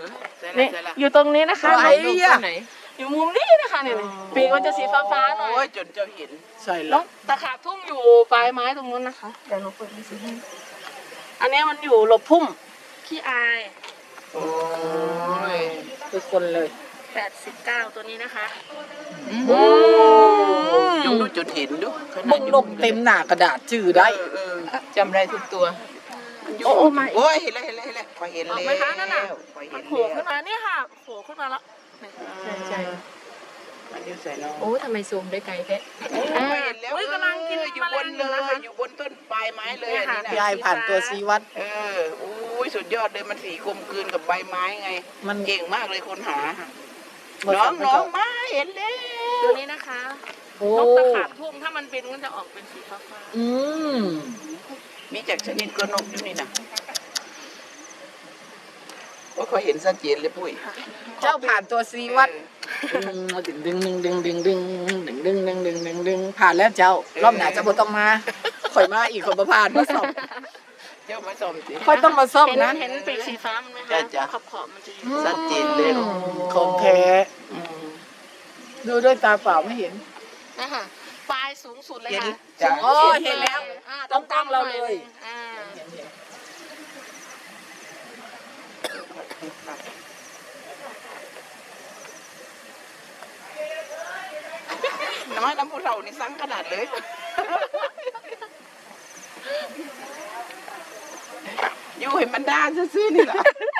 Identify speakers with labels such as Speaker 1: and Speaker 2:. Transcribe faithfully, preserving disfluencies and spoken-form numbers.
Speaker 1: นี่อยู่ตรงนี้นะคะ
Speaker 2: ไหนอ่ะ
Speaker 1: อยู่มุมนี้นะคะเนี่ยปีกมันจะสีฟ้าๆหน่อย
Speaker 2: โอ้ยจนเจ้าเห็นใช่
Speaker 1: แล้
Speaker 2: แล้ว ว
Speaker 1: ตะขาบทุ่งอยู่ปลายไม้ตรงนู้นนะคะเดี๋ยวหนูเปิดให้สิอันนี้มันอยู่หลบพุ่มขี้อาย
Speaker 2: โอ้ยคือคนเลย
Speaker 1: แปดสิบเก้าตัวนี้นะคะ
Speaker 2: ยงดูจุดเห็นดูบุกลบเต็มหน้ากระดาษจื่อได้จำได้ทุกตัว
Speaker 1: โอ้โอ้ไม่
Speaker 2: โอ้ยเห็นแล้วเห็นแล้วเห็นแล้วพอเห็น
Speaker 1: อ
Speaker 2: แล้
Speaker 1: อก
Speaker 2: ว
Speaker 1: ไหมคะนั่นน่ะ
Speaker 2: พอ
Speaker 1: มั
Speaker 2: เห็
Speaker 1: น
Speaker 2: น
Speaker 1: โผล่
Speaker 2: แล้ว
Speaker 1: ขึ้นมาเนี่ยค่ะโผล่ขึ้นมาแล้ว
Speaker 2: ใช่ใช่มันอยู่ใส่น้อง
Speaker 3: โอ้ทำไมซูมได้ไกลแท้
Speaker 2: อ่าเห็นแล้ว
Speaker 1: อุ้ยกำลังกิน
Speaker 2: อยู่
Speaker 1: แม
Speaker 2: บ
Speaker 1: ล
Speaker 2: น
Speaker 1: งอ
Speaker 2: เล
Speaker 1: ยู่นะคะ
Speaker 2: ยอยู่บนต้นปลายไม้เลย
Speaker 1: เนี่ย
Speaker 2: อัน
Speaker 1: ค่ะ
Speaker 2: นี้นะ
Speaker 4: ยายผ่านตัวซีวัด
Speaker 2: เออโอ้ยสุดยอดเลยมันสีกลมกลืนกับใบไม้ไง
Speaker 4: มัน
Speaker 2: เก่งมากเลยคนหา
Speaker 4: มัน
Speaker 2: น้อง
Speaker 4: มัน
Speaker 2: น้อ
Speaker 4: ก็
Speaker 2: งมาเห็นแล้ว
Speaker 1: ตัวนี้นะคะ
Speaker 4: โอ้
Speaker 1: นกตะขาบทุ่งถ้ามันบินมันจะออกเป็นสีฟ้า
Speaker 4: อืม
Speaker 2: มีจากชนิดกระนกอยู่นี่นะว่าเขาเห็นชัดเจนเลยปุ้ย
Speaker 4: เจ้าผ่านตัวซีวัดดึงดึงดึงดึงดึงดึงดึงดึงดึงดึงดึงดึงผ่านแล้วเจ้ารอบหน้าจะบ่ต้องมาข่อยมาอีกข่อยบ่ผ่านมาสอบ
Speaker 2: เจ้ามาสมสิ
Speaker 4: ค่อยต้องมาซ่อม
Speaker 1: เห็น
Speaker 4: นะ
Speaker 1: เห็นปีกสีฟ้ามันไหม
Speaker 2: จ้ะ
Speaker 1: คะ
Speaker 2: จ้ะ
Speaker 1: ขอบขอบๆมันจะอยู่
Speaker 2: ชัดเจนเลย
Speaker 4: ของแท้
Speaker 2: อืม
Speaker 4: ดูด้วยตาเปล่าไม่เห็น
Speaker 1: นะคะปลายสูงสุดเลย
Speaker 2: เห็น
Speaker 1: ค่ะ
Speaker 2: จ้ะ
Speaker 4: โอ้เห็นแล้ว
Speaker 1: อ่า
Speaker 4: ต้องตั้งเราเลย
Speaker 1: อ่า
Speaker 2: น้อยน้ำผู้เรานี่สั่งขนาดเลย อยู่ให้มันด้านซื่อๆนี่แหละ